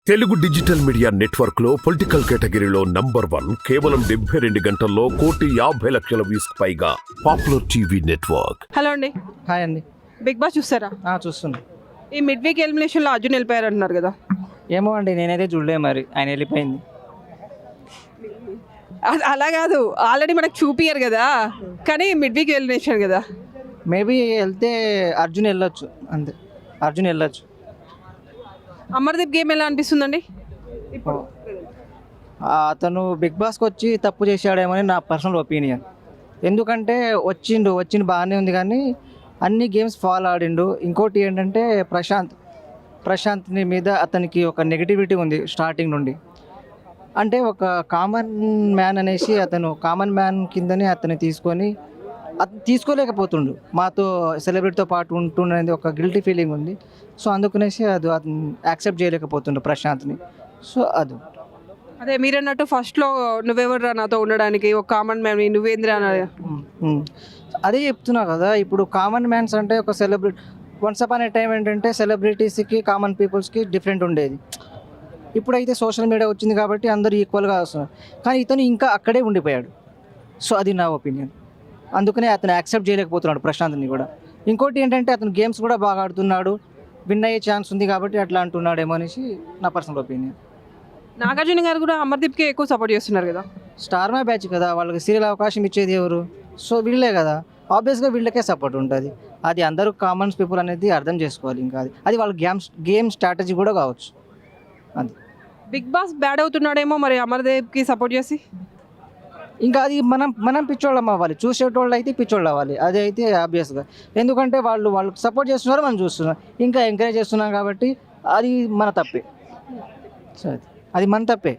Telugu digital media network లో political కేటగిరీలో #1 కేవలం 72 గంటల్లో 1,50,00,000 వ్యూస్ పైగా పాపులర్ టీవీ నెట్వర్క్. హలో అండి. హాయ్ అండి. బిగ్ బాస్ చూస్తారా? చూస్తున్నా. ఈ మిడ్ వీక్ ఎలిమినేషన్లో అర్జున్ వెళ్ళిపోయారు అంటున్నారు కదా. ఏమో అండి, నేనైతే చూడలే, మరి ఆయన వెళ్ళిపోయింది. అలా కాదు, ఆల్రెడీ మనకు చూపియరు కదా, కానీ మిడ్ వీక్ ఎలిమినేషన్ కదా. మేబీ వెళ్తే అర్జున్ వెళ్ళొచ్చు, అంతే. అర్జున్ వెళ్ళొచ్చు. అమర్దీప్ గేమ్ ఎలా అనిపిస్తుందండి ఇప్పుడు? అతను బిగ్ బాస్కి వచ్చి తప్పు చేశాడేమో అని నా పర్సనల్ ఒపీనియన్. ఎందుకంటే వచ్చిండు బాగానే ఉంది, కానీ అన్ని గేమ్స్ ఫాలో ఆడిండు. ఇంకోటి ఏంటంటే ప్రశాంత్ని మీద అతనికి ఒక నెగిటివిటీ ఉంది స్టార్టింగ్ నుండి. అంటే ఒక కామన్ మ్యాన్ అనేసి అతను కామన్ మ్యాన్ కిందనే అతన్ని తీసుకోలేకపోతుండు. మాతో సెలబ్రిటీతో పాటు ఉంటుండనేది ఒక గిల్టీ ఫీలింగ్ ఉంది. సో అందుకనేసి అతను యాక్సెప్ట్ చేయలేకపోతుండు ప్రశాంత్ని. సో అదే మీరన్నట్టు ఫస్ట్లో నువ్వెవర్రా నాతో ఉండడానికి, ఒక కామన్ మ్యాన్ నువ్వేంద్రా అన్నది. అదే చెప్తున్నా కదా. ఇప్పుడు కామన్ మ్యాన్స్ అంటే ఒక celebrity, once upon a time ఏంటంటే సెలబ్రిటీస్కి కామన్ పీపుల్స్కి డిఫరెంట్ ఉండేది. ఇప్పుడైతే సోషల్ మీడియా వచ్చింది కాబట్టి అందరూ ఈక్వల్గా వస్తున్నారు, కానీ ఇతను ఇంకా అక్కడే ఉండిపోయాడు. సో అది నా ఒపీనియన్. అందుకనే అతను యాక్సెప్ట్ చేయలేకపోతున్నాడు ప్రశాంత్ని కూడా. ఇంకోటి ఏంటంటే అతను గేమ్స్ కూడా బాగా ఆడుతున్నాడు, విన్ అయ్యే ఛాన్స్ ఉంది కాబట్టి అట్లా అంటున్నాడేమో అనేసి నా పర్సనల్ ఒపీనియన్. నాగార్జున గారు కూడా అమర్దీప్కి ఎక్కువ సపోర్ట్ చేస్తున్నారు కదా. స్టార్ మా బ్యాచ్ కదా, వాళ్ళకి సీరియల్ అవకాశం ఇచ్చేది ఎవరు? సో వీళ్ళే కదా. ఆబ్వియస్గా వీళ్ళకే సపోర్ట్ ఉంటుంది. అది అందరూ కామన్స్ పీపుల్ అనేది అర్థం చేసుకోవాలి. ఇంకా అది వాళ్ళ గేమ్ స్ట్రాటజీ కూడా కావచ్చు. అది బిగ్ బాస్ బ్యాడ్ అవుతున్నాడేమో మరి అమర్దీప్కి సపోర్ట్ చేసి. ఇంకా అది మనం పిచ్చోళ్ళం అవ్వాలి, చూసేటోళ్ళు అయితే పిచ్చోళ్ళు అవ్వాలి. అది అయితే ఆబ్వియస్గా. ఎందుకంటే వాళ్ళకి సపోర్ట్ చేస్తున్నారు, మనం చూస్తున్నాం, ఇంకా ఎంకరేజ్ చేస్తున్నాం కాబట్టి అది మన తప్పే. సో అది మన తప్పే.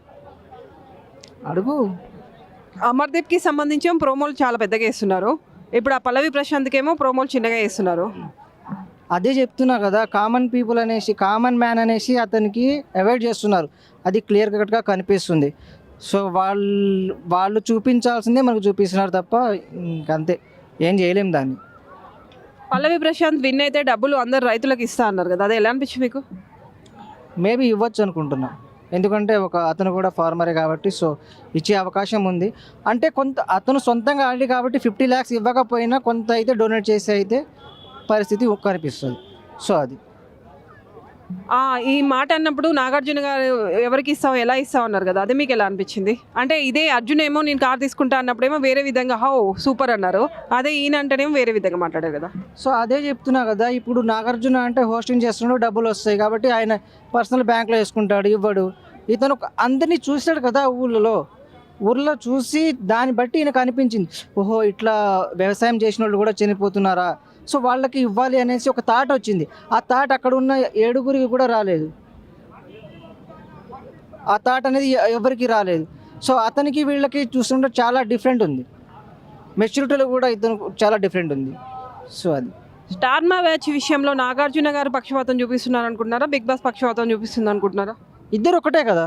అడుగు. అమర్దీప్కి సంబంధించి ప్రోమోలు చాలా పెద్దగా వేస్తున్నారు. ఇప్పుడు ఆ పల్లవి ప్రశాంత్కి ఏమో ప్రోమోలు చిన్నగా వేస్తున్నారు. అదే చెప్తున్నా కదా, కామన్ పీపుల్ అనేసి, కామన్ మ్యాన్ అనేసి అతనికి అవాయిడ్ చేస్తున్నారు. అది క్లియర్ కట్గా కనిపిస్తుంది. సో వాళ్ళు చూపించాల్సిందే మనకు చూపిస్తున్నారు తప్ప ఇంకంతే, ఏం చేయలేము దాన్ని. పల్లవి ప్రశాంత్ విన్ అయితే డబ్బులు అందరు రైతులకు ఇస్తా అన్నారు కదా, అది ఎలా అనిపించింది మీకు? మేబీ ఇవ్వచ్చు అనుకుంటున్నా. ఎందుకంటే అతను కూడా ఫార్మరే కాబట్టి, సో ఇచ్చే అవకాశం ఉంది. అంటే అతను సొంతంగా ఆడి కాబట్టి 50 lakhs ఇవ్వకపోయినా కొంత అయితే డొనేట్ చేసి అయితే పరిస్థితి కనిపిస్తుంది. సో అది ఈ మాట అన్నప్పుడు నాగార్జున గారు ఎవరికి ఇస్తావు, ఎలా ఇస్తావు అన్నారు కదా, అది మీకు ఎలా అనిపించింది? అంటే ఇదే అర్జున్ ఏమో నేను కార్ తీసుకుంటా అన్నప్పుడేమో వేరే విధంగా సూపర్ అన్నారు, అదే ఈయన అంటేనేమో వేరే విధంగా మాట్లాడారు కదా. సో అదే చెప్తున్నా కదా. ఇప్పుడు నాగార్జున అంటే హోస్టింగ్ చేస్తున్నాడు, డబ్బులు వస్తాయి కాబట్టి ఆయన పర్సనల్ బ్యాంక్లో వేసుకుంటాడు, ఇవ్వడు. ఇతను అందరినీ చూశాడు కదా ఊర్లో చూసి దాన్ని బట్టి ఈయనకు అనిపించింది, ఓహో ఇట్లా వ్యవసాయం చేసిన వాళ్ళు కూడా చనిపోతున్నారా, సో వాళ్ళకి ఇవ్వాలి అనేసి ఒక థాట్ వచ్చింది. ఆ థాట్ అక్కడ ఉన్న 7గురికి కూడా రాలేదు. ఆ థాట్ అనేది ఎవరికి రాలేదు. సో అతనికి వీళ్ళకి చూస్తుంటే చాలా డిఫరెంట్ ఉంది. మెచ్యూరిటీలో కూడా ఇతను చాలా డిఫరెంట్ ఉంది. సో అది స్టార్ మా బ్యాచ్ విషయంలో నాగార్జున గారు పక్షపాతం చూపిస్తున్నారు అనుకుంటున్నారా, బిగ్ బాస్ పక్షపాతం చూపిస్తుంది అనుకుంటున్నారా? ఇద్దరు ఒకటే కదా.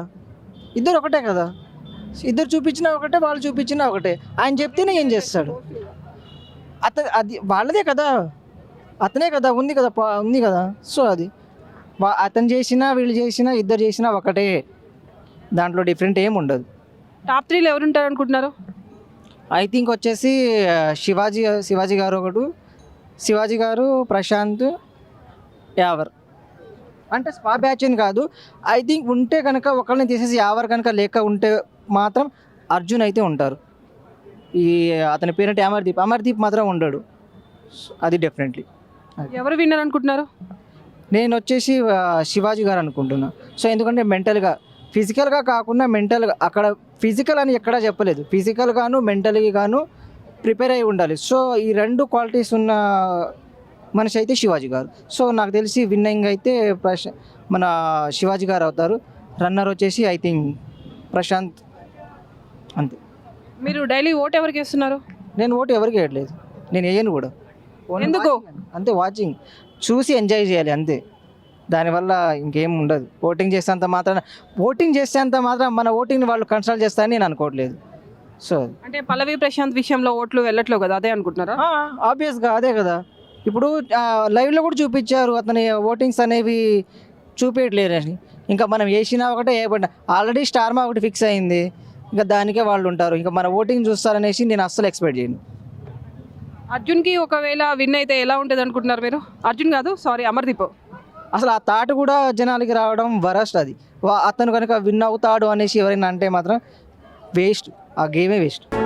ఇద్దరు చూపించినా ఒకటే, వాళ్ళు చూపించినా ఒకటే. ఆయన చెప్తేనే ఏం చేస్తాడు. అది వాళ్ళదే కదా, అతనే కదా, ఉంది కదా. సో అది అతను చేసినా వీళ్ళు చేసినా ఇద్దరు చేసినా ఒకటే, దాంట్లో డిఫరెంట్ ఏమి ఉండదు. టాప్ 3లో ఎవరు ఉంటారు అనుకుంటున్నారు? ఐ థింక్ వచ్చేసి శివాజీ గారు ఒకడు, శివాజీ గారు, ప్రశాంత్, యావర్. అంటే స్పా బ్యాచ్ అని కాదు. ఐ థింక్ ఉంటే కనుక ఒకళ్ళని తీసేసి యావర్ కనుక లేక ఉంటే మాత్రం అర్జున్ అయితే ఉంటారు. అతని పేరంటే అమర్దీప్ మాత్రం ఉండడు. అది డెఫినెట్లీ. ఎవరు విన్నారు అనుకుంటున్నారు? నేను వచ్చేసి శివాజీ గారు అనుకుంటున్నా. సో ఎందుకంటే ఫిజికల్గా కాకుండా మెంటల్గా, అక్కడ ఫిజికల్ అని ఎక్కడా చెప్పలేదు, ఫిజికల్ గాను మెంటల్గా గాను ప్రిపేర్ అయి ఉండాలి. సో ఈ 2 క్వాలిటీస్ ఉన్న మనిషి అయితే శివాజీ గారు. సో నాకు తెలిసి విన్నింగ్ అయితే మన శివాజీ గారు అవుతారు. రన్నర్ వచ్చేసి ఐ థింక్ ప్రశాంత్. అంతే. మీరు డైలీ ఓట్ ఎవరికి వేస్తున్నారు? నేను ఓటు ఎవరికి వేయట్లేదు, నేను వేయను కూడా. ఎందుకు? అంతే, వాచింగ్ చూసి ఎంజాయ్ చేయాలి అంతే. దానివల్ల ఇంకేం ఉండదు. ఓటింగ్ చేసేంత మాత్రం మన ఓటింగ్ని వాళ్ళు కన్సల్ట్ చేస్తారని నేను అనుకోవట్లేదు. సో అంటే పల్లవి ప్రశాంత్ విషయంలో ఓట్లు వెళ్ళట్లేదు కదా, అదే అనుకుంటున్నారా? ఆబ్వియస్గా అదే కదా. ఇప్పుడు లైవ్లో కూడా చూపించారు, అతని ఓటింగ్స్ అనేవి చూపించట్లేరని. ఇంకా మనం వేసినా ఒకటే వేయబడినా ఆల్రెడీ స్టార్ మా ఒకటి ఫిక్స్ అయింది, ఇంకా దానికే వాళ్ళు ఉంటారు. ఇంకా మన ఓటింగ్ చూస్తారనేసి నేను అస్సలు ఎక్స్పెక్ట్ చేయను. అర్జున్కి ఒకవేళ విన్ అయితే ఎలా ఉంటుంది అనుకుంటున్నారు మీరు? అర్జున్ కాదు, సారీ, అమర్దీప్. అసలు ఆ థాట్ కూడా జనాలకి రావడం వరస్ట్. అది అతను కనుక విన్ అవుతాడు అనేసి ఎవరైనా అంటే మాత్రం వేస్ట్, ఆ గేమే వేస్ట్.